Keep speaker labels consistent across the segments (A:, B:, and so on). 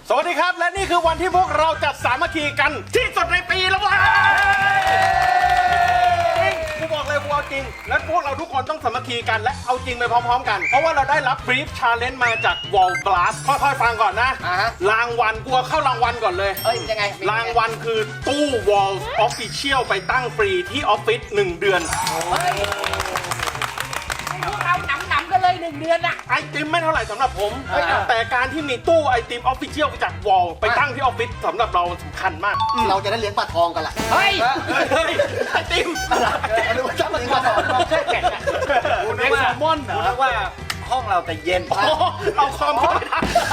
A: สวัสดีครับและนี่คือวันที่พวกเราจัดสามัคคีกันที่สุดในปีแล้ววะกูบอกเลยกูเอาจริงและพวกเราทุกคนต้องสามัคคีกันและเอาจริงไปพร้อมๆกันเพราะว่าเราได้รับบรีฟชาเลนจ์มาจาก Wall Blast ค่อยๆฟังก่อนนะรางวัลกูเข้ารางวัลก่อนเลย
B: ยังไง
A: รางวัลคือตู้ Wall Official ไปตั้งฟรีที่ออฟฟิศ1 เดือน
B: พวกเราหนำกันเลย1 เดือนอะ
A: ไอติมไม่เท่าไหร่สำหรับผมแต่การที่มีตู้ไอติมออฟฟิเชียลจากวอลไปตั้งที่ออฟฟิศสำหรับเราสำคัญมาก
C: เราจะได้เลี้ยงปลาทองกันล่ะ
B: เฮ้ย
A: ไอติม
C: หรือว่าจะเลี้ยงปลาทอง
B: ใช่แก่
A: คุณนึกว่าแซลมอนเหรอนึกว่าห้องเราแต่เย็นเอาคอมเข้าไป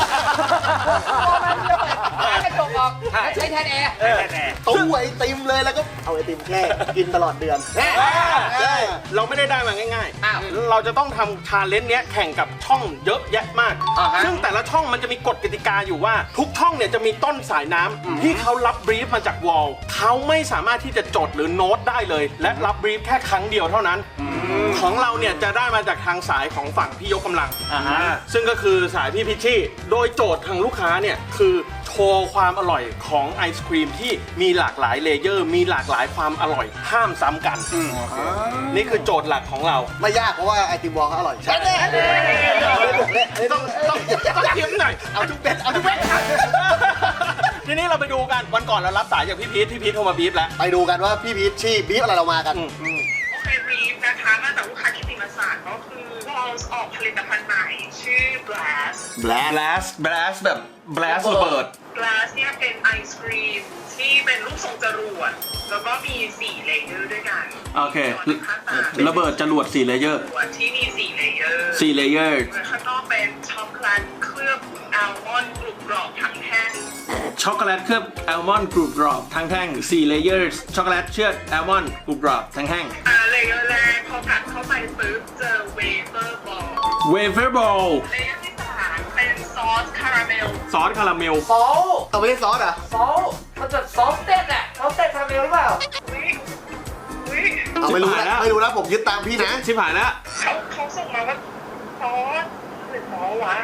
B: กระจกออกใช้แทนแอร์
C: ตู้ไอติมเลยแล้วก็เอาไอติมแช่กินตลอดเดือน
A: เราไม่ได้มาง่ายๆเราจะต้องทำชาเลนจ์เนี้ยแข่งกับช่องเยอะแยะมากซึ่งแต่ละช่องมันจะมีกฎกติกาอยู่ว่าทุกช่องเนี่ยจะมีต้นสายน้ำที่เขารับบรีฟมาจากวอลเขาไม่สามารถที่จะจดหรือโน้ตได้เลยและรับบรีฟแค่ครั้งเดียวเท่านั้นของเราเนี่ยจะได้มาจากทางสายของฝั่งพี่ยกกำลังซึ่งก็คือสายพี่พิชชี่โดยโจทย์ทางลูกค้าเนี่ยคือโชว์ความอร่อยของไอศครีมที่มีหลากหลายเลเยอร์มีหลากหลายความอร่อยห้ามซ้ำกันนี่คือโจทย์หลักของเรา
C: ไม่ยากเพราะว่าไอติมวอลเขาอร่อยใช่
A: ต้องเทียมหน่อย
C: เอาทุกเบ็ด
A: ทีนี้เราไปดูกันวันก่อนเรารับสายจากพี่พีทโทรมาบีฟแล้ว
C: ไปดูกันว่าพี่พีชชี่บีฟอะไรเรามากัน
D: โอเคบีฟนะคะมาจากลูกค้ากิตติมศักดิ์ก็คือเราออกผลิตภัณฑ์ใหม่ชื่อ
A: Blast แบบ Blast ระเบิด
D: Blast เนี่ยเป็นไอศครีมที่เป็นรูปทรงจรวดแล้วก็มี4เลเยอร์ด้วยกัน
A: โอเคระเบิดจรวด4เลเยอร์
D: ที่มี4เลเยอร์
A: 4เลเยอร์
D: ข้างนอกเป็นช็อกโกแลตเคลือบอัลมอนด์กรุบกรอบทั้งแท่ง
A: ช็อกโกแลตเคลือบอัลมอนด์กรุบกรอบทั้งแท่ง4เลเยอร์ช็อกโกแลตเชื่อดอัลมอนด์กรุบกรอบทั้งแท่ง
D: เลเยอร์แรกพอกัดเข้าไปปุ๊บเจอเวเฟอร์บอล
A: เลเย
D: อร์ที่3เป็นซอสคาราเมล
A: ซอส
C: เอาไม่ใช่ซอสอ่ะ
B: มันจะซอสเต้นอะซอสเต้นคาราเมลหรือเปล่า
C: เอาไม่รู้นะผมยึดตามพี่นะ
A: ชิบหายแล้ว
D: เขาส่งมาว่าซอสหรือซอสวะ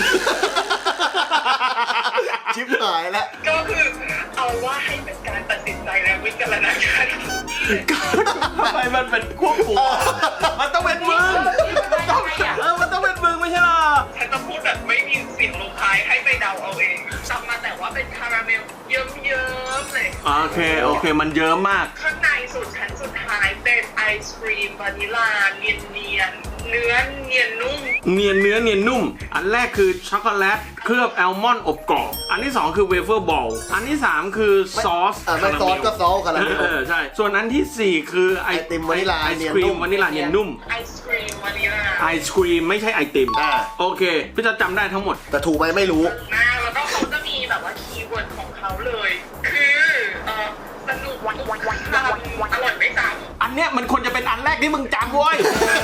C: ชิบหายแล้ว
D: ก็คือเอาว่าให้เป็นการตัดสินใจและวิจารณญาณ
A: ทำไมมันเป็นควบคุมมันต้องเป็นมึงมันต้องเป็นมึงไม่ใช่หรอ
D: ฉันจะพูดแบบไม่มีเสียงลงท้ายให้ไปเดาเอาเองจำมาแต่ว่าเป็นคาราเมลเยิ้มๆเลย
A: โอเคมันเยิ้มมาก
D: ข้างในสุดชั้นสุดท้ายเป็นไอศครีมวานิลาเนียนเนื้อเนียนนุ่ม
A: เนียนนุ่มอันแรกคือช็อกโกแลตเคลือบอัลมอนด์อบกรอบอันที่2คือเวเฟอร์บอลอันที่3คือซอส
C: ไม่ซอสก็ซอสคาราเมล
A: ใช่ส่วนอันที่4คือ
C: ไอติมวานิลา
A: ไอศครีมวานิลาเนียนนุ่ม
D: ไอศครีมวานิลา
A: ไอศครีมไม่ใช่ไอติมโอเคพี่จะจำได้ทั้งหมด
C: แต่ถูกไหมไม่รู้
D: แล้วก็เขาจะมีแบบว่าคีย์เวิร์ดของเขาเลยคือสนุกอร่อยไม่ซ้ำ
A: อันเนี้ยมันควรจะเป็นอันแรกที่มึงจำเว้ย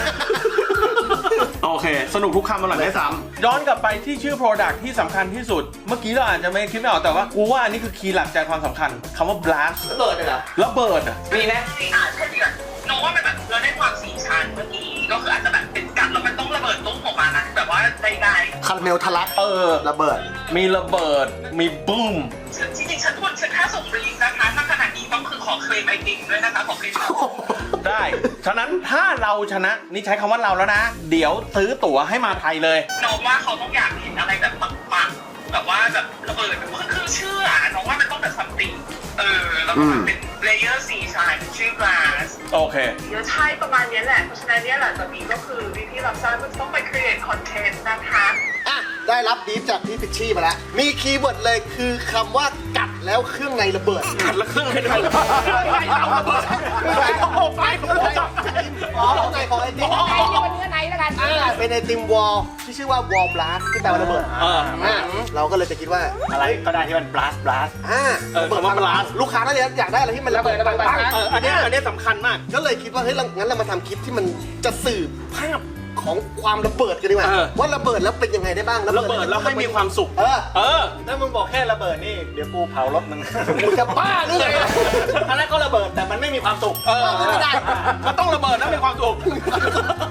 A: โอเคสนุกทุกคำอร่อยไม่ซ้ำย้อนกลับไปที่ชื่อ Product ที่สำคัญที่สุดเมื่อกี้เราอาจจะไม่คิดไม่ออกแต่ว่ากูว่าอันนี้คือคีย์หลักใจความสำคัญคำว่า blast
C: ระเบิดเลยเหรอ
A: ระเบิด
D: มีนะใช่เดือดน้องว่ามันแบบเราได้ความสีชันเมื่อกี้ก็คืออาจจะแบบเป็นกัดแล้วมันต้องระเบิดตุ้มออกมานะแบบว่าได้
C: คาราเมลทะลักระเบิด
A: มีระเบิดมีบูม
D: จริงๆฉันค่าส่งฟรีนะคะถ้าขนาดนี้ต้องคือขอเคลมไอติมด้วยนะคะขอเคลม
A: ได้ฉะนั้นถ้าเราชนะนี่ใช้คำว่าเราแล้วนะเดี๋ยวซื้อตั๋วให้มาไทยเลย
D: น้องว่าเขาต้องอยากเห็นอะไรแบบปังๆแบบว่าแบบระเบิดคือเชื่อน้องว่ามันต้องแบบซัมติงแล้วก็เป็นเลเยอร์4ชั้นชื่อ glass
A: โอเค
D: เดี๋ยวใช่ประมาณนี้แหละเพราะฉะนั้นเนี่ยหลังจากนี้ก็คือพี่รับทราบว่าต้องไป create content นะคะ
C: ได้รับบีฟจากพี่พิชชี่มาแล้วมีคีย์เวิร์ดเลยคือคำว่ากัดแล้วเครื่องในระเบิด
A: กัดแล้วเครื่องในระเบิดไป
C: ข้างในของไอติม
B: เนื้อในแล้วกัน
C: เป็นไอติมวอลที่ชื่อว่าวอลบลัสที่แปลว่าระเบิดเราก็เลยจะคิดว่า
A: อะไรก็ได้ที่มันบลัส
C: เปิดมาบลัสลูกค้าน่าจะอยากได้อะไรที่มันระเบิด
A: อันนี้สำคัญมาก
C: ก็เลยคิดว่าเฮ้ยงั้นเรามาทำคลิปที่มันจะสื่อภาพของความระเบิดกันดีกว่าว่าระเบิดแล้วเป็นยังไงได้บ้าง
A: ระเบิดแล้วให้มีความสุข
C: ถ้ามึงบอกแค่ระเบิดนี่เดี๋ยวกูเผารถมึงจะบ้าหรือไง
A: อันนั้นก็ระเบิดแต่มันไม่มีความสุข
C: ไม่ได้
A: มันต้องระเบิดแล้วมีความสุข
B: ถ้า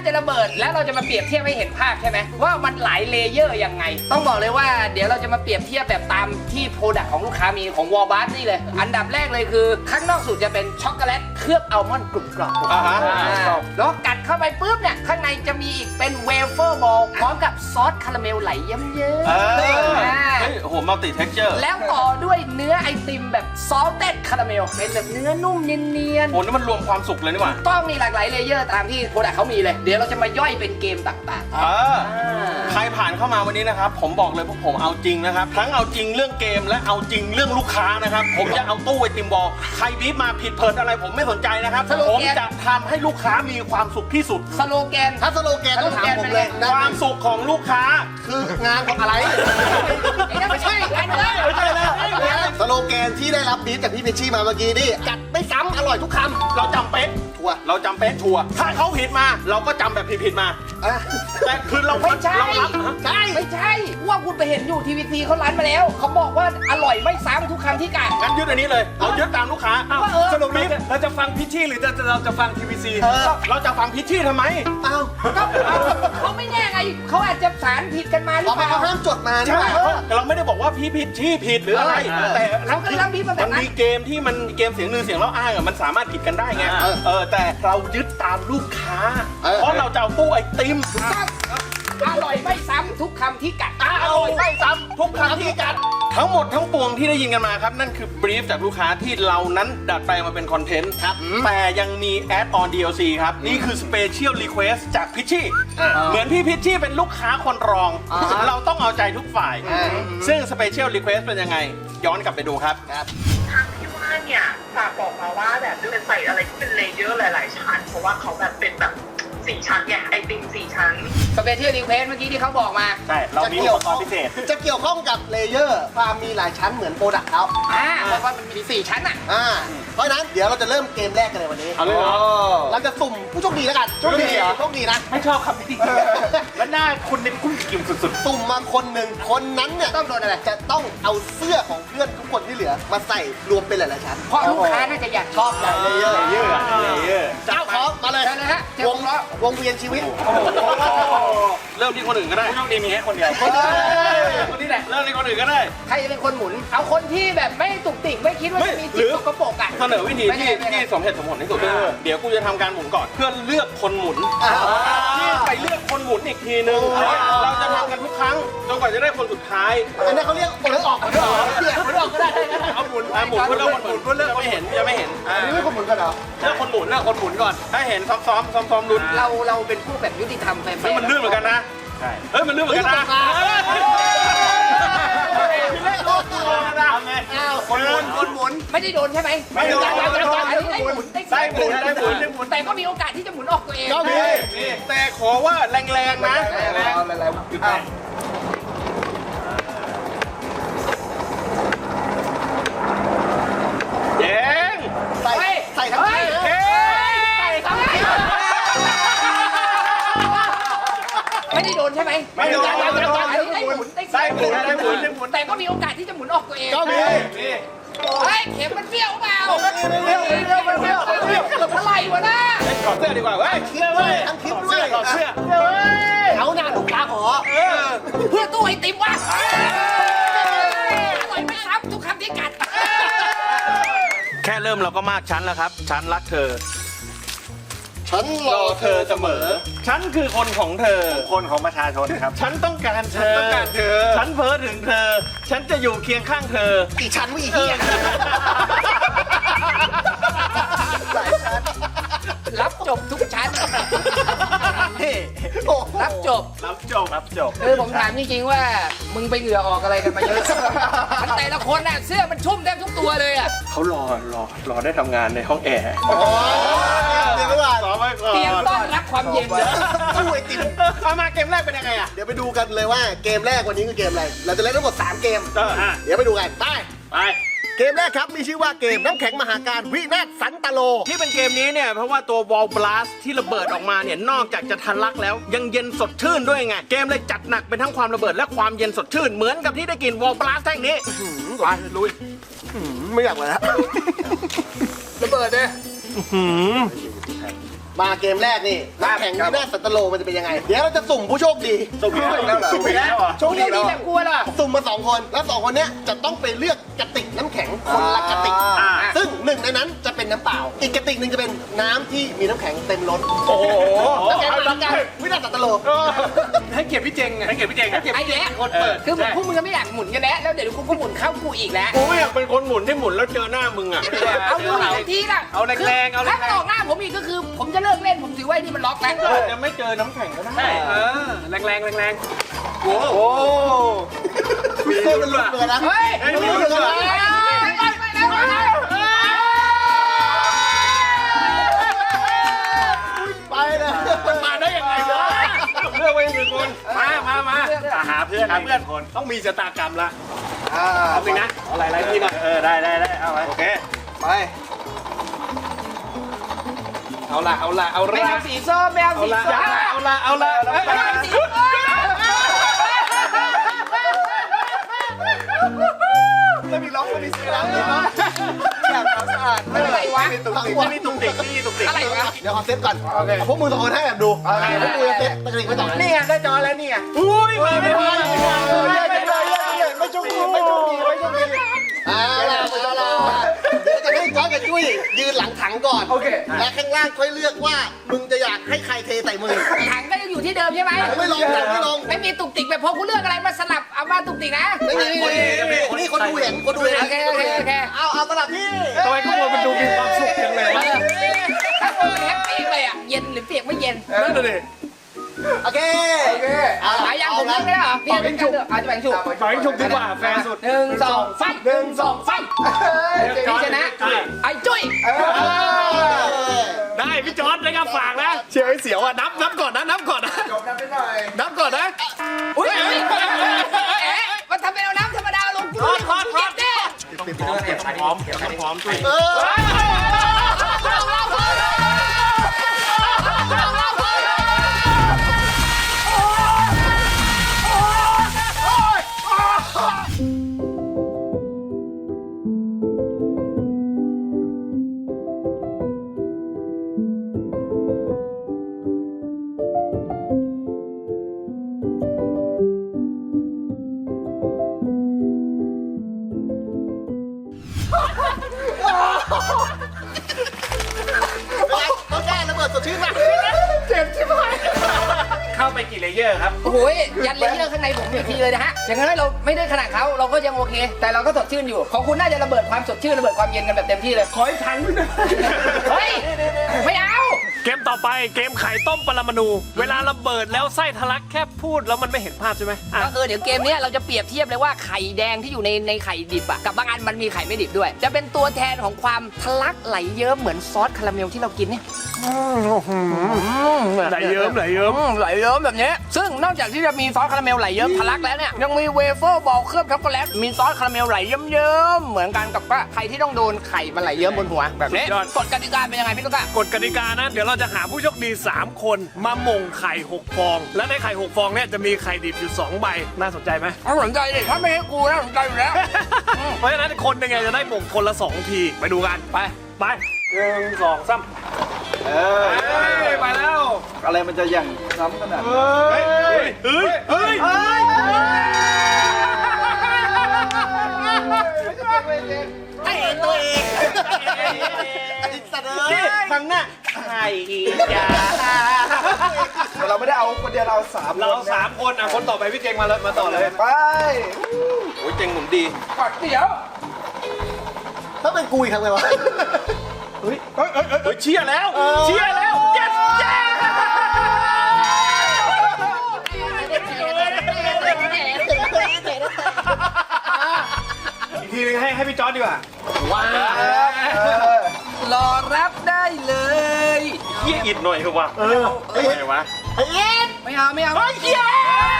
B: จะระเบิดแล้วเราจะมาเปรียบเทียบให้เห็นภาพใช่ไหมว่ามันหลายเลเยอร์ยังไง ต้องบอกเลยว่าเดี๋ยวเราจะมาเปรียบเทียบแบบตามที่โปรดักต์ของลูกค้ามีของวอลบัสนี่เลย อันดับแรกเลยคือข้างนอกสุดจะเป็นช็อกโกแลตเคลือบอัลมอนด์กรุบกรอบ แล้วกัดเข้าไปปุ๊บเนี่ยข้างในจะมีอีกเป็นเวเฟอร์บอลพร้อมกับซอสคาราเมลไหลเยิ้มๆ
A: เฮ้ยโอ้โหมัลติเท็กเจอร์
B: แล้วต่อด้วยเนื้อไอติมแบบซอลเต็ดคาราเมลเป็นแบบเนื้อนุ่มเนียน
A: โอ้นี่มันรวมความสุขเลยนี่หว่า
B: ต้องมีหลากหลายเลเยอร์ตามที่โปรดักต์เขามีเลย เดี๋ยวเราจะมาย่อยเป็นเกมต่าง
A: ใครผ่านเข้ามาวันนี้นะครับ ผมบอกเลยพวกผมเอาจริงนะครับ ทั้งเอาจริงเรื่องเกมและเอาจริงเรื่องลูกค้านะครับ ผมจะเอาตู้ไอติมบอลใครบีบมาผิดเพิดอะไรผมไม่สนใจนะครับผมจะทำให้ลูกค้ามีความสุขที่สุด
B: ๆ สโลแกน
C: ถ้าสโลแกนต้องถามผมเลยนะ
A: ความสุขของลูกค้า
C: คืองานของอะไร
B: ไม่ใช่อันนี้
C: ไม่ใช่แล้วสโลแกนที่ได้รับบีทจากพี่พิชชี่มาเมื่อกี้นี่จัดไม่ซ้ำอร่อยทุกคำ
A: เราจำเป๊ะ
C: ชัวร์
A: เราจำเป๊ะชัวร์ถ้าเขาผิดมา เราก็จำแบบผิดๆมา
C: อ่ะ
A: แต่คือเรา
B: ไม่ใช่
A: เรารับฮะ
C: ใช่
B: ไม่ใช่ว่าคุณไปเห็นอยู่ทีวีซีเขาร้านมาแล้ว เขาบอกว่าอร่อยไม่ซ้ำทุกคำที่กัด
A: งั้นยึดอันนี้เลย เรายึดตามลูกค้า
B: ว่า
A: สรุปนี้
E: เราจะฟังพิชชี่หรือเราจะฟังทีวีซี
A: เราจะฟังพิชชี่ทำไม
C: เอ้า
B: ก็เขาไม่แน่ไงเขาอาจจะสารผิดกันมาหรือ
C: เอา
B: เป
C: ไป
B: ล่า
C: เขาห้ามจดมานี่
A: ใช่
C: หว่า
A: แต่เราไม่ได้บอกว่าพี่พิชชี่ผิดหรืออะไร แต่
B: เขาก็รับพี่มาแบ
A: มั
B: บ
A: น
B: นั้น
A: มีเกมที่มันเกมเสียงหนึ่งเสียงเล่าอ้างอะมันสามารถผิดกันได้ไงแต่เรายึดตามลูกค้า เพราะเราจะเอาตู้ไอติม
B: อร่อยไม่ซ้ำทุกคำที่กัด
A: อร่อยไม่ซ้ำทุกครั้งที่กัดทั้งหมดทั้งปวงที่ได้ยินกันมาครับ นั่นคือบรีฟจากลูกค้าที่เรานั้นดัดแปลงมาเป็นคอนเทนต์ครับแต่ยังมีแอดออน DLC ครับ นี่คือสเปเชียลรีเควสจากพิชชี่เหมือนพี่พิชชี่เป็นลูกค้าคนรอง เราต้องเอาใจทุกฝ่าย ซึ่งสเปเชียลรีเควสเป็นยังไง ย้อนกลับไปดูครับ
D: ทางที่ว่าเนี่ยฝากบอกมาว่าแบบด้วยใส่อะไรที่เป็นเลเยอร์หลาย ๆ ชั้น เพราะว่าเขาแบบเป็นแบบ4 ชั้นไงไอติม4 ชั้น
B: สเปเชียลรีเควสเมื่อกี้ที่เขาบอกมา
A: ใช่ เรามีอุปกรณ์พิเศษ
C: จะเกี่ยวข้องกับเลเยอร์ความมีหลายชั้นเหมือนโปรดักต์เขา
B: บอกว่ามันมี4ชั้นอ่ะ
C: เพราะฉะนั้นเดี๋ยวเราจะเริ่มเกมแรกกันเลยวันนี้
A: เอาเลยเหรอ
C: เราจะสุ่มผู้โชคดีแล้วกันโชคดีเหรอโชคดีนะ
E: ไม่ชอบคำนี้แล้วหน้าคุณนี่กุ้งกิ่มสุด
C: สุ่มมาคนหนึ่งคนนั้นเนี่ย
B: ต้องโดนอะไร
C: จะต้องเอาเสื้อของเพื่อนทุกคนที่เหลือมาใส่รวมเป็นหลายๆชั้น
B: เพราะลูกค้าน่าจะอยากชอบใหญ่เลย
C: เลเยอร์
A: เลเยอร์เลเยอร์
C: เจ้าของมาเลย
B: ใช่เลยฮะเจอ
C: ว
B: ว
C: ง
B: งล้อ
C: วงเวียนชีวิต
A: เริ่มที่คนอื่นก็ได้
E: ๆผู้โชคดีมีแค่คนเดียว
A: คนนี้แหละ เริ่มที่คนอื่นก็ได้
B: ใครจะเป็นคนหมุน เอาคนที่แบบไม่ตุกติกไม่คิดว่าจะมี
A: หรื
B: จิต
A: อ
B: สกปรกอ่ะ
A: เสนอวิธีที่สมเหตุสมผลที่สุดเดี๋ยวกูจะทำการหมุนก่อน เพื่อเลือกคนหมุนที่ไปเลือกคนหมุนอีกทีนึงเราจะทำกันทุกครั้งจนกว่าจะได้คนสุดท้าย
C: อันนี้เขาเรียกโอนออกคนออกเปลี่ยนคนออกก็ได้นะ
A: เอาหมุนเพื่อเลือกคนหมุนเพื่อเลือกไม่เห็นจะไม่เห็น
C: อันนี้ไม่คนหมุนกันเหรอ
A: เลือกคนหมุนเลือกคนหมุนก่อนถ้าเห็นซ้อมลุ้น
B: เราเป็นผู้แบบยุติธรรมแฟร์
A: เฮ้ยมันลื่นเหมือนกันนะเฮ้ยมันลื่นเหมือนกันนะ
C: คนหมุน
B: ไม่ได้โดนใช่ไหม
A: ไม่โดน
B: ได้หมุนได้
A: ได้หมุน
B: แต่ก็มีโอกาสที่จะหมุนออกตัวเอง
C: ก็มี
A: แต่ขอว่าแรงๆนะเย้ง
C: ใส่ทั้งที่นะ
B: ไม่ได้โดนใช่ไหม
A: ไม่โดน
B: ได้หมุนได้หมุน
A: ได้หมุน
B: แต่ก็มีโอกาสที่จะหมุนออกตัวเอง
C: ก็มี
B: เฮ้ยเข็มมันเบี้ยวเปล่า
C: เบี้ยว
B: อะไรวะน่ะ
A: ถอดเสื้อดีกว่าเว้ย
C: คลิปด้วยทั้งคลิปด้วย
A: ถอดเสื้อ
C: เอาหน้าลูกค้าขอ
B: เพื่อตู้ไอติมวะอร่อยไม่ซ้ำทุกคำที่กัด
A: แค่เริ่มเราก็มากฉันแล้วครับ ฉันรักเธอ
C: ฉันรอเธอเสมอ
A: ฉันคือคนของเธอ
E: คนของประชาชนครับ
A: ฉันต้องการเธอ ฉันเพ้อถึงเธอ ฉันจะอยู่เคียงข้างเธอ
C: อีชั้นวิเฮียหลายชั้น
B: รับจบทุกชั้น
C: โอ้
B: รับจบ
E: รับจบ
B: ผมถามจริงๆว่ามึงไปเหงื่อออกอะไรกันมาเยอะมันแต่ละคนน่ะเสื้อมันชุ่มแทบทุกตัวเลยอ่ะ
A: เขารอได้ทำงานในห้องแอร์
C: โหเดี๋ยวไปก่อน
A: รอไว้ก่อน
B: เตรียมต้อนรับความเย็นเลย
C: ตู้ไอติม
A: เอามาเกมแรกเป็นยังไงอ่ะ
C: เดี๋ยวไปดูกันเลยว่าเกมแรกวันนี้คือเกมอะไร เราจะเล่นทั้งหมด3เกม
A: อ่ะ
C: เดี๋ยวไปดูกัน ไป
A: ไป
C: เกมแรกครับ มีชื่อว่าเกมน้ำแข็งมหาการวินาศสันตโล
A: ที่เป็นเกมนี้เนี่ยเพราะว่าตัว Wall Blast ที่ระเบิดออกมาเนี่ยนอกจากจะทะลักแล้วยังเย็นสดชื่นด้วยไง เกมเลยจัดหนักเป็นทั้งความระเบิดและความเย็นสดชื่นเหมือนกับที่ได้กิน Wall Blast แท่งนี้ไปลุย
C: ไม่อยากเลยแล้ว
B: ระเบิดเลย
C: มาเกมแรกนี่น้ำแข็งที่หน้าสัตโลมันจะเป็นยังไง เดี๋ยวเราจะสุ่มผู้โชคดี
E: สุ่มแล้วเหรอสุ่มแล้วเหรอ
C: โชคดีแบบกลัวล่ะสุ่มมา2 คนแล้ว2 คนเนี้ยจะต้องไปเลือกกระติกน้ำแข็งคนละกระติกซึ่งหนึ่งในนั้นจะเป็นน้ำเปล่า อีกกระติกหนึ่งจะเป็นน้ำที่มีน้ำแข็งเต็มล้น
A: โอ้โห
C: น้ำแข็งเป็นกันวินาศสัตโล
E: ให้เกียรติพี่เจงไงให้เกียรติพี่เจง
B: ไอ้แย่คนเปิดคือพวกมึงก็ไม่อยากหมุนกันแล้วแล้วเดี๋ยวกูก็หมุนเข้ากูอีกแล้ว
A: กูไม่อยากเป็นคนหมุนที่หมุนแล้วเจอหน้ามึงอ่ะ
B: เอาดูอีกทีละ
E: เอาแรงๆเอาแร
B: ถ้าง ออกหน้าผมอีกก็คือ ผมจะเลิกเล่นผมถือว่านี่มันล็อกแล้ว
A: อาจจะไม่เจอน้ำแข็งก็ได้
E: แรงๆแรง
A: โอ้โห
C: มีเส้นมันหลุดเลยนะ
B: เฮ้ย
C: มันหลุดเลยนะไปเลย
A: มาได้ยังไงวะเลือกไว้หนึ่งคน
E: มาหาเพื่อนคนต้องมีชะตากรรมละเอาจริงนะเอาหลายๆทีหน่อยได้เอาไว้โอเค
C: ไป
E: เอาละ
B: ไม่เอาสีส้มไม่เอาสีส้ม
E: เอาละ
B: ไม่เอาสีส้ม
C: ไม่มีล็อกไม่มีเสียงเลยนะอยากทำสะอาด
B: อะไรวะ
C: ทั้งหมด
E: นี่ตุ้งติ๊ก
B: อะไรวะ
C: เดี๋ยวขอเซตก่อนพวกมึง2 คนให้แบบดูพวกมึงจะเซตตะกริกไปต่อ
B: นี่ไงได้จอแล้วนี่ไง
A: อุ้ยมาไม่
C: ไม่
A: ทัน
C: โชคดีเอาล่ะเดี๋ยวจะให้ก้อยกับจุ้ยยืนหลังถังก่อนโอเคและข้างล่างค่อยเลือกว่ามึงจะอยากให้ใครเทใส่มือ
B: ถังก็ยังอยู่ที่เดิมใช่ไหม
C: ไม่ลงถังไม่ลง
B: ไม่มีตุกติกแบบพอกูเลือกอะไรมาสลับเอามาตุกติกนะ
C: ไม่มีนี่คนดูเห็นคนดูเห็น
B: โอเค
C: เอาสลับที่
E: ทำไมข้างบนมันดูมีความสุขจังเลยวะ
B: ถ้าคนมันแฮปปี้เลยอ่ะเย็นหรือเปียกไม่เย็น
E: นั่นเลย
C: โอเคเอา
B: หลายอย่างผมเลือกไม่ได้เหรอพี่เป็นการเลือกอาจจะแบ่งฉุก
E: ปล่อยชุบดีกว่าแฟร์สุด
B: 1 2 ไฟ1 2 ไฟพี่ชนะไอ้จุ้ย
E: ได้พี่จอร์ดนะครับฝากนะเชียร์ให้เสียวอ่ะนับก่อนนะนับก่อนนะ
C: จบกันไปหน่อย
E: นับก่อนนะ
B: อุ้ยมันทำเป็นเอาน้ำธรรมดาลงกูเก็บดิ
E: พร้อมด้วย
C: ต้องแก้ระเบิดสดชื่นมา
E: เข้าไปกี่เลเยอร์ครับ
B: โอ้โหยันเลเยอร์ข้างในผมอีกทีเลยนะฮะอย่างนั้นเราไม่ได้ขนาดเขาเราก็ยังโอเค แต่เราก็สดชื่นอยู่ของคุณน่าจะระเบิดความสดชื่นระเบิดความเย็นกันแบบเต็มที่เลย
E: ขอให้ทันด้วยนะ
B: เฮ้ยไม่เอา
F: เกมต่อไปเกมไข่ต้มปรมาณูเวลาระเบิดแล้วไส้ทะลักแค่พูดแล้วมันไม่เห็นภาพใช่ไหมอ่ะ
B: ก็เดี๋ยวเกมนี้เราจะเปรียบเทียบเลยว่าไข่แดงที่อยู่ในไข่ดิบอะกับบางอันมันมีไข่ไม่ดิบด้วย จะเป็นตัวแทนของความทะลักไหลเยิ้มเหมือนซอสคาราเมลที่เรากินเนี่ย
F: ไหลเยิ้มไหลเยิ้ม
B: ไหลเยิ้มแบบนี้ซึ่งนอกจากที่จะมีซอสคาราเมลไหลเยิ้มทะลักแล้วเนี่ยยังมีเวเฟอร์บอลเคลือบช็อกโกแลตมีซอสคาราเมลไหลเยิ้มๆเหมือนกันกับว่าใครที่ต้องโดนไข่มันไหลเยิ้มบนหัวแบบนี้กฎกติกาเป็นยังไงพี่ตุ๊กตาก
F: ฎกติกานะเดี๋ยวเราจะหาผู้โชคดี 3 คนมาหม่งไข่ 6 ฟอง และในไข่ 6 ฟองเนี่ยจะมีไข่ดิบอยู่ 2 ใบน่าสนใจไหม
B: เอาสนใจดิถ้าไม่ให้กูน่าสนใจอยู่แล้ว
F: เพราะฉะนั้นคนยังไงจะได้หม่งคนละ 2 ทีไปดูกันไป1 2 3
E: ไปแล้วอะไรมันจะอย่างซ้ำขนาด
F: เฮ้ย
C: ไอ้ตัวเองไอ้สัตว์เอ้ย
A: ครั้งหน้าไข่ยา
E: เราไม่ได้เอาคนเดียวเรา3
F: เรา 3 คนอ่ะคนต่อไปพี่เจงมาเลยมาต่อเลย
E: ไป
A: โอ้ยเจ๋งหมุนดี
B: ก่อนเดี๋ยว
C: ถ้าเป็นกูอีกทำไงวะ
A: เฮ้ยเชียร์แล้ว เชียร์แล้ว yes yes
E: อีกทีนึงให้พี่จอร์ดดีกว่า
B: รอรับได้เลย
A: เยี่ยอิดหน่อยคือวะไงวะ
C: ไอ้เอ็ด
B: ไม่เอาไม่เอาไม่เชียร์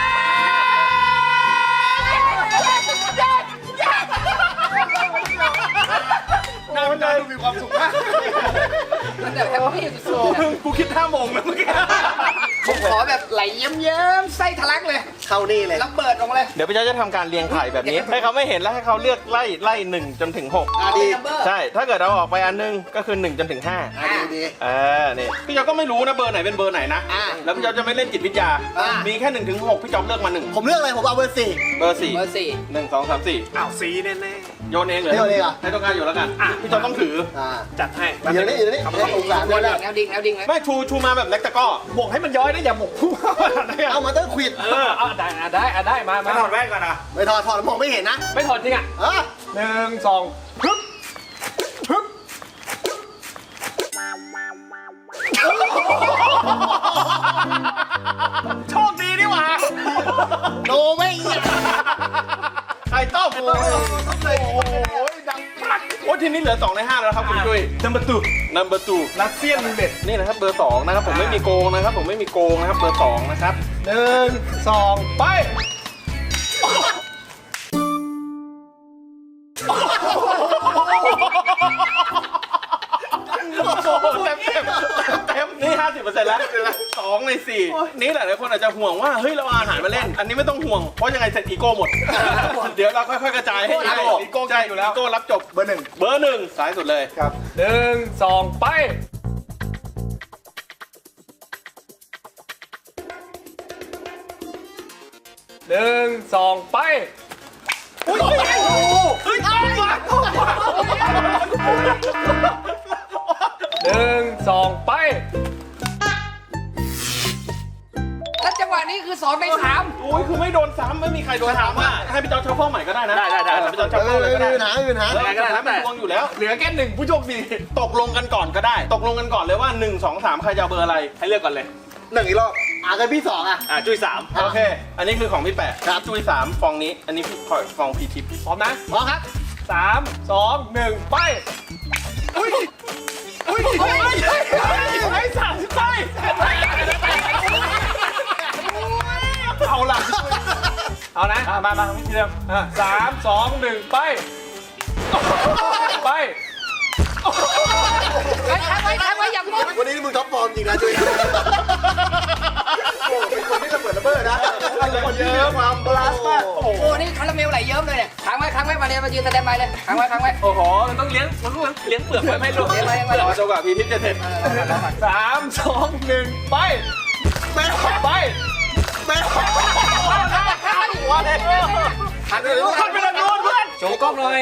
E: หน้ามันดูมีความสุขมาก
B: มันแบบแฮปปี้สุดๆ
A: กูคิดท่าโมงแล้วเมื่อกี้
B: ผมขอแบบไหลเยิ้มๆไส้ทะลักเลย
C: เข้านี่เลย
B: ระเบิดลงเลย
A: เดี๋ยวพี่เจ้าจะทำการเรียงไข่แบบนี้ ให้เขาไม่เห็นแล้วให้เขาเลือกไล่1จนถึง6
C: ดี
A: ใช่ ถ้าเกิดเราออกไปอันนึงก็คือ1จนถึง5
C: ดี
A: นี่พี่เจ้าก็ไม่รู้นะเบอร์ไหนเป็นเบอร์ไหนนะ แล้วพี่เจ้าจะไม่เล่นจิตวิทยา มีแค่1ถึง6พี่เจ้าเลือกมา1
C: ผมเลือกอะไรผมเอาเบอร์ 4
A: เบอร์4
B: เบอร์สี่
A: 1 2 3 4
F: อ้าวสีแน่
A: โยนเองเลย
C: โยนเองเหรอ
A: ให้ต้องการอยู่แล้วกันพี่เจ้าต้องถือ
F: ๆจัดให้
C: อยู่นี่อยู่นี่องศาด้วยแล้ว
B: แนวดิ่งแนวดิ่งเลย
A: ไม่ชูมาแบบเล็กตะก้อ
F: บอกให้มันย้อยนะอย่าบอกพุ่ง
C: เอามาเตอร์ควิด
F: เอาได้มา
A: ไม่ถอดแว่นก่อนนะ
C: ไม่ถอดแล้วมองไม่เห็นนะ
F: ไม่ถอดจริงอ่ะ 1 2ฮึบฮึบโชคดีนี่หว่า
C: โนไม่เหี้ย
A: ไข่ต้มโอ้ยดังปักโอ้ทีนี้เหลือ2ใน5แล้วครับคุณจุ้ย
F: number 2
A: รัสเซียนรูเล็ตนี่นะครับเบอร์2นะครับผมไม่มีโกงนะครับผมไม่มีโกงนะครับเบอร์2นะครับ
F: 1 2 ไป
A: เต็มนี่ 50% แล้ว2ใน4นี่หลายคนอาจจะห่วงว่าเฮ้ยเราเอาอาหารมาเล่น อันนี้ไม่ต้องห่วงเพราะยังไงเสร็จอีโก้หมด เดี๋ยวเราค่อยๆกระจายให้อีโก้ใช่อยู่แล้วอีโก้รับจบเบอร์1สายสุดเลยครับ
F: 1 2 ไป 1 2 ไป
A: อุ้ยเฮ้ย
F: 1 2 ไป
B: แล้วจังหวะนี้คือ2ใน3
A: โอ้ยคือไม่โดนซ้ำไม่มีใครโดนซ้ำอ่ะให้พี่เจ้าชัฟเฟิลใหม่ก็ได้นะได้พี่เจ้าชัฟเฟิลเลยก็ได้
C: ไม่มีปัญหาไม่มีปัญหา
A: แล้วก็ได้เป็นพวงอยู่แล้ว
F: เหลือแค่1ผู้โชคดี
A: ตกลงกันก่อนก็ได้ ตกลงกันก่อนเลยว่า 1 2 3 ใครจะเอาเบอร์อะไร ให้เลือกก่อนเลย
C: 1 อีกรอบกันพี่ 2 อ่ะ
A: จุ้ย3โอเค อันนี้คือของพี่แปะ
C: ครับ
A: จุ้ย3ฟองนี้ อันนี้ฟองพีทิป
F: พร้อมนะ
C: พร้อมครับ
F: 3 2 1 ไป อุ้ย อุ้ยไอ้สั่งไป
A: เอาล่ะ
F: เอานะ มาพี่เดิม3 2 1 ไป ไป
B: ค้างไว้อย่าพูด
C: วันนี้มึงท็อปฟอร์มจริงนะจุ้ยโอ้เป็นคนที่ระเบิดระเบ้อนะเป็นคนที่มีความบาลานซ์มาก
B: โอ้โหนี่คาราเมลไหลเยิ้มเลยเนี่ยค้างไว้มาเรียนมายืนสแตนบายเลยค้างไว้
F: โอ้โห มันต้องเลี้ยงเปลือกไว้ไม่หลุด
B: เรียนมา
A: เดี๋ยวจะกว่าพีทิปจะเสร็จ
F: 3 2 1 ไป
C: แม่
F: ไป
C: แม่
A: หัวเลย
B: หันไปรู้
F: ขึ้นไปเลยนู้นเพื่อนโชว์กล้องหน่อย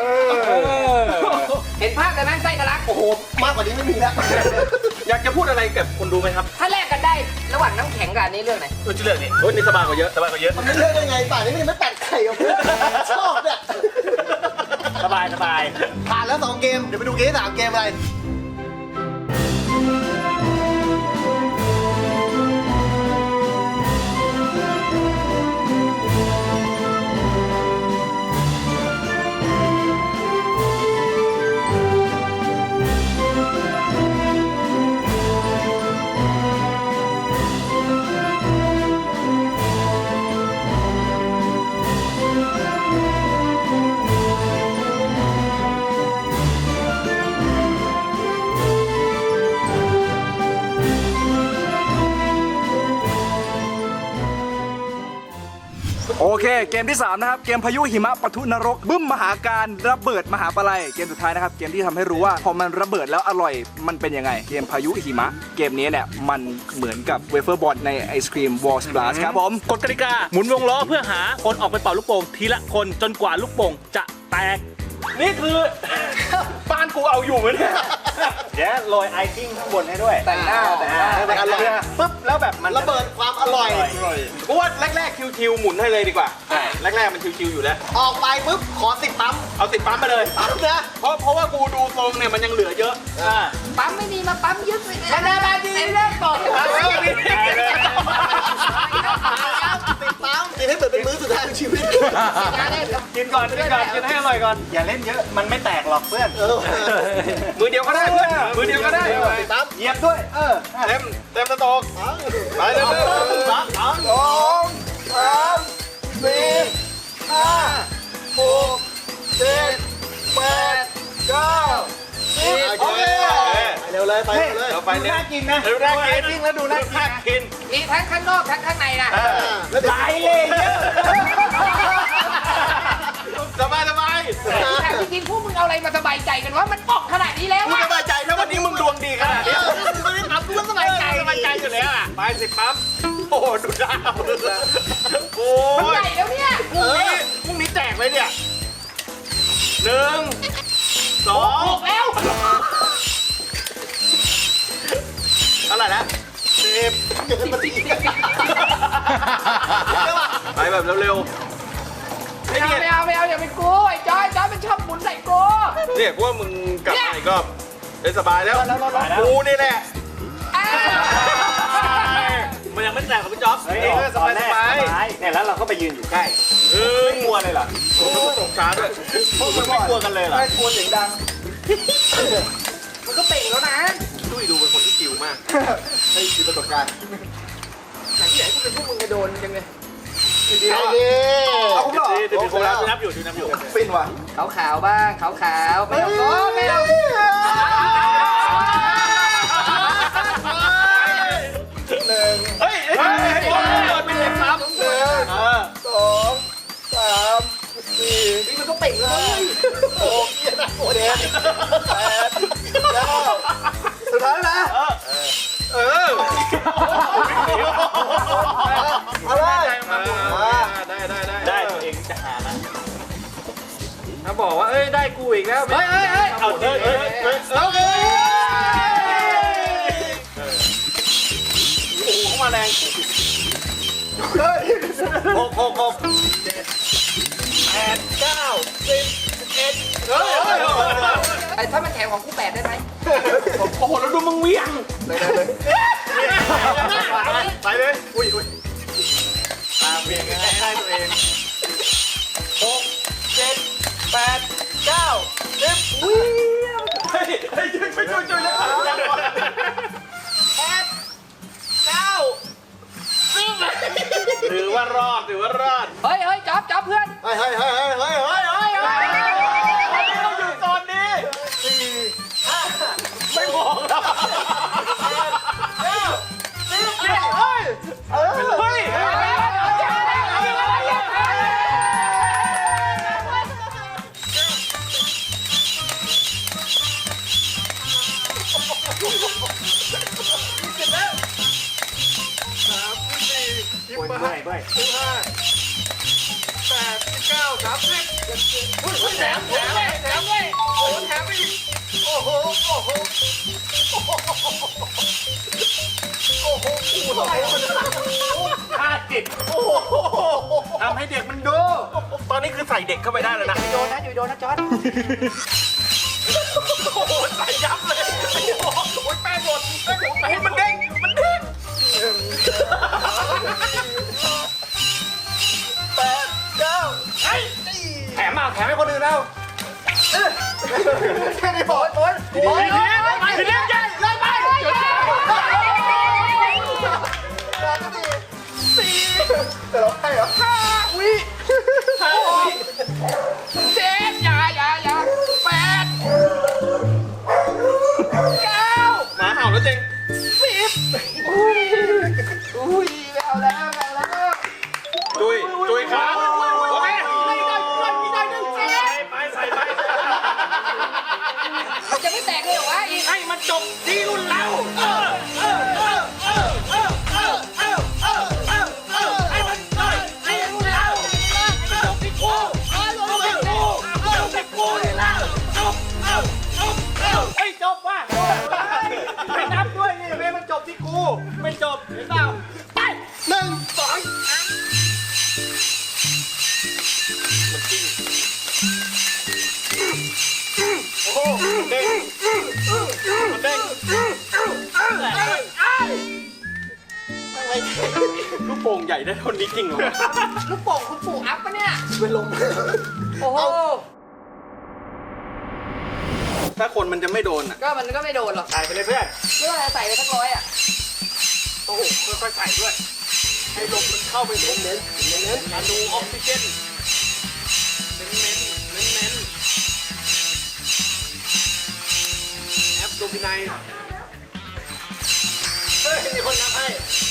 B: เห็นภาพเลยไหมไส้ทะลัก
C: โอ้โหมากกว่านี้ไม่มีแล้ว
A: อยากจะพูดอะไรกับคนดูไหมครับ
B: ถ้าแลกกันได้ระหว่างน้ำแข็งกับอันนี้เรื่องไหน
A: จะเลือกนี่นี่สบายกว่าเยอะ
C: มันไม่เลือกได้ไงป่านนี้มันยังไม่ตัดไข่ออกเลยชอบเนี่ย
F: สบาย
C: ผ่านแล้ว2 เกม เดี๋ยวไปดูเกมที่3 เกมอะไร
G: โอเค เกมที่ 3 นะครับ เกมพายุหิมะปะทุนรก บึ้มมหาการระเบิดมหาปลัยเกมสุดท้ายนะครับ เกมที่ทำให้รู้ว่าพอมันระเบิดแล้วอร่อยมันเป็นยังไง เกมพายุหิมะ เกมนี้เนี่ยมันเหมือนกับเวเฟอร์บอลในไอศครีมวอลสปลาสครับผม
E: กฎกติกาหมุนวงล้อเพื่อหาคนออกไปเป่าลูกโป่งทีละคนจนกว่าลูกโป่งจะแตก
A: นี่คือ บ้านกูเอาอยู่ไหมเนี่ย
E: เดี๋ยวโรยไอซิ่งข้างบนให้ด้วย
B: แต่งหน้า
C: แต่อร่อย
A: ปุ๊บแล้วแบบมัน
C: ระเบิดความอร่อย
A: กูว่าแรกๆคิวๆหมุนให้เลยดีกว่าแรกๆมันคิวๆอยู่แล้ว
C: ออกไปปุ๊บ ขอ10 ปั๊ม
A: เอาติดปั๊มไปเลย
C: ปั๊มนะ
A: เพราะว่ากูดูทรงเนี่ยมันยังเหลือเยอะ
B: ปั๊มไม่มีมาปั๊มยึดเลย
C: มาดีเริ่มก่อน10 ปั๊มนี่ให้เหมือนเป็นมื้อสุดท้ายของชีวิต
F: กินก่อนกินให้อร่อยก่อน อย่าเล่นเยอะ มันไม่แตกหรอกเพื่อน
A: มือเดียวก็ได้เพื่อนมือเดียวก็ได้
C: 10 ปั๊ม
F: เหยียบด้วย
A: เต็มสต๊อกไปเลย
C: 2 3 4 5 6 7 8 9 10โอเคดเลยไปหมดเลย
A: เราไปเนี่ย
E: น่ากินนะ
A: ดูน่ากิน
E: จริงแล้วดูน่ากินนะ
A: กิน
B: มีทั้งข้างนอกทั้งข้างในนะ
C: แล้วเดี๋ยว
E: หลายเลยเยอะ
A: สบายสบาย
B: แต่จริงๆพวกมึงเอาอะไรมาสบายใจกันว่ามันบอกขนาดนี้แล้ว
A: มึง
B: อะ
A: สบายใจถ้าวันนี้มึงดวงดีขนาดนี้
C: ไม่ได้ทำกูก็สบายใจ
A: สบายใจอยู่แล้วอ่ะไปสิปั๊มโอ้โหดูดาวโอ้
B: มัน
A: ย
B: ใหญ่แล้วเนี่ย
A: พรุ่งนี้แจกเลยเนี่ย1 2
B: บอกแล้ว
A: เท่าไหร่นะไปแบบเร็วๆไอ้
B: ไม่
A: เนี่ย
B: เอาอย่าเป็นกูไอ้จอยมันชอบหมุนใส่กู
A: เนี่ยกูว่ามึงกลับมาอีกก็ได้สบายแล้วกูนี่แหละ
B: อ้าว
A: มันยังไม่แตกกับพี่จ๊อบ
E: เฮ้ยสบายเนี่ยแล้วเราก็ไปยืนอยู่ใกล้
A: ไม่กลัวเลยเหรอโอ้โหตกช้าด้วยพวกมึงไม่กลัวกันเลยเหรอ
G: ไม่กลัวเสียงดัง
B: มันก็เป่งแล้วนะ
A: ตุ้ยดูเป็นคนที่จิ๋วมาก
C: ให้มีประสบการณ์
B: ไหนที่ไหนกูเป็นพวกมึงจะโดนจังเลย
C: ไอ้เด้
G: เอาผมเหรอ
A: เดี๋ยวดูแล้วนับอยู่ดูนับอยู่
G: ฟินว่ะ
B: ขาวบ้างขาวไม่เอาก็ไม่เอา
A: เฮ้ยเฮ้ยเป็นเล็กครับ
G: 2 3 4
B: นี่มันก็เป่งแล้ว
C: โอ้ยนะโอ้เด็ด
G: 9สุดท้ายแล้วนะ เอาเลย
E: ได้ตัวเองจะหานะ
A: ถ้าบอกว่าเอ้ยได้กูอีกแล้ว
B: เฮ้ย
E: เอาจริง
A: โอ้โหเข้ามาแรง 6
B: ไอ้ถ้ามันแข็งของกู8ได้ไหม
A: โอ้โหแล้วดูมึงเวียง ไปเลยอุ้ย
E: ตามเพียงได้ตัวเอง
A: เฮ้ยไปช่วยถือว่ารอด
B: เฮ้ยจ๊อบเพื่อน
C: เฮ้ย
A: เราอยู่ตอนนี้ไม่บอกแล้วเฮ้ยทำให้เด็กมันดู ตอนนี้คือใส่เด็กเข้าไปได้แล้วนะ
B: โดนนะจอร์ด
A: โอ้โหใส่ยับเลยโอ้ยแป้งหมดให้มันเด้งแถมให้คนอื่นแล้ว
C: แค่นี้บอก
B: โอ๊ย
A: ทีเลี้ยงใหญ่เลยไป
C: แต่เราให้เหรอ
B: เจ็ดอย่า8 9
A: หมาเห่าแล้วเจง
B: 10อุ้ยไม่เอาแล้ว
A: จุยครับโอเคไปใส่
B: มันจะไม่แตกเลยเหรอวะอีก
A: ให้มันจบที่รุ่นเราให้มันให้รุ่นเราจบที่กูเลยล่ะจบว่ะไม่นับด้วยนี่ไม่มันจบที่กูไม่จบเห็นเปล่าไป
C: 1 2
A: โอ้โหเด้งมันเด้งลูกโป่งใหญ่ได้เท่านี้จริงเหรอ
B: ลูกโป่งคุณปู่อัพปะเนี่ย
C: เป็นลม
B: โอ้โห
A: ถ้าคนมันจะไม่โดนอ่ะ
B: ก็มันก็ไม่โดนหรอก
E: ใส่ไปเลยเพื่อน
B: ไม่ว่าจะใส่ไปสัก100อ่ะ
A: โอ้โหค่อยๆใส่ด้วย ให้ลมมันเข้าไปเน้นมาดูออกซิเจนเน้นแอปโดมิไน
E: นับให้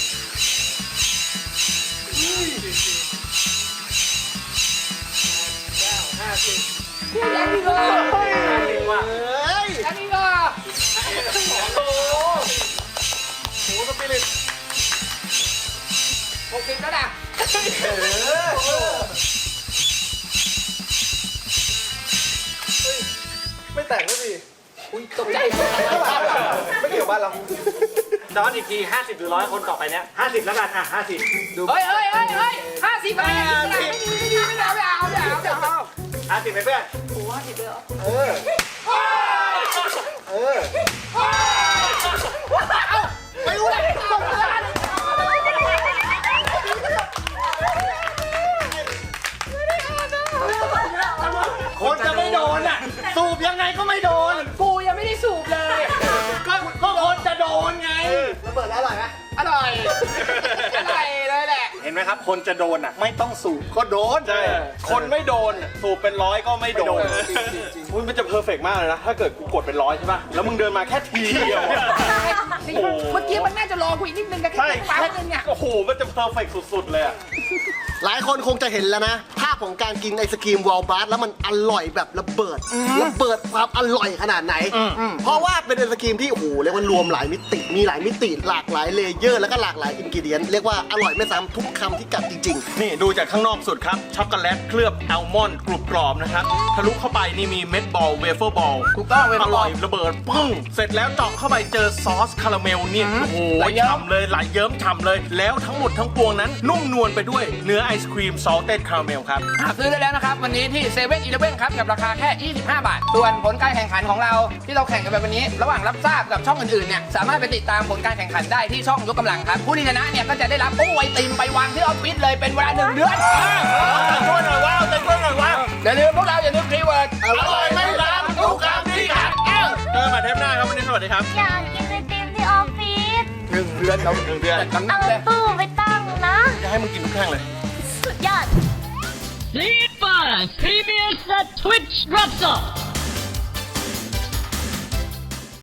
B: ยังอีกเหรอ
E: ว่า
B: ยังอีกเหรอ
E: โหสปิริต
B: 60แล้วนะ
C: ไม่แต่งก็สิ
B: ตกใจ
C: ไม่เกี่ยวบ้านเรา
E: จอนอีกที 50 หรือ 100 คนต่อไปเนี้ย50 แล้วกันอ่ะ50
B: เฮ้ย50อะไรไม่เอา
E: 50ไหมเพื่อน
C: ไม่รู้เลย
E: คนจะไม่โดนอ่ะ สูบยังไงก็ไม่โดน
B: กูยังไม่ได้สูบเลย
E: ก็คนจะโดนไง
C: ระเบิดแล้วอร่อยไหม
B: อร่อยเลยแหละ
E: เห็นไหมครับ คนจะโดนอ่ะ ไม่ต้องสูบก็โดน
A: ใช่ คนไม่โดนสูบเป็นร้อยก็ไม่โดนอุ๊ยมันจะเพอร์เฟกต์มากเลยนะ ถ้าเกิดกูกดเป็นร้อยใช่ป่ะ แล้วมึงเดินมาแค่ทีเดียวอะ
B: เมื่อกี้มันน่าจะรอกูอีกนิดนึงกัน
A: ใช่
B: แค่
A: แค่
B: นึงเนี่ย
A: โอ้โห มันจะเพอร์เฟกต์สุดๆเลยอะ
C: หลายคนคงจะเห็นแล้วนะ ภาพของการกินไอศกรีมวอลบัสแล้วมันอร่อยแบบระเบิดความอร่อยขนาดไหน เพราะว่าเป็นไอศกรีมที่โอ้โหเรียกว่ารวมหลายมิติ มีหลายมิติหลากหลายเลเยอร์แล้วก็หลากหลายอินกิเดียนเรียกว่าอร่อยไม่ซ้ำทุกคำที่กัดจริง
A: นี่ดูจากข้างนอกสุดครับ ช็อกโกแลตเคลือบอัลมอนด์กรุบกรอบนะครับ ทะลุเข้าไปนี่มีเม็ดบอลเวเฟอร์บอล
B: ถูกต้องเว้ย
A: อร่อยระเบิดปึ้ง เสร็จแล้วเจาะเข้าไปเจอซอสคาราเมลเนี่ยโอ้โห
B: ไหลเยิ้ม
A: ฉ่ำเลยไหลเยิ้มฉ่ำเลย แล้วทั้งหมดทั้งปวงนั้น นุ่มนวลไปด้วยเนื้อไอศครีมซอลเต็ดคาราเมลครับ
B: หาซื้อได้แล้วนะครับ วันนี้ที่เซเว่นอีเลฟเว่นครับ กับราคาแค่ 25 บาท ส่วนผลการแข่งขันของเราที่เราแข่งกันไปวันนี้ ระหว่างรับทราบกับช่องอื่นๆเนี่ยสามารถไปติดตามผลการแข่งขันได้ที่ช่องยกกำลังครับ ผู้ที่ชนะเนี่ยก็จะได้รับตู้ไอติมไปวางที่ออฟฟิศเลยเป็นเวลา1 เดือน
A: ช่วยหน่อยว้าวช่วยหน่อยว้าว
B: อย่าลืมพวกเราอย่าลืมคีย์เวิร์ด
A: อร่อยไม่ล้ำทุกคำที่กัดเจอกันใหม่เทปหน้าครับวันนี้สวัสดีครับ
H: อยากกินไอติมที่ออฟฟิศ
B: 1 เดือนเรา1 เดือนกำนั
H: เอา
B: บเลย
H: ตู้ไปตั้งนะ
A: จะให้มึงกินทุกแท่งเลย
H: สุดยอด
I: Sleep Fast PBS Twitch drops off.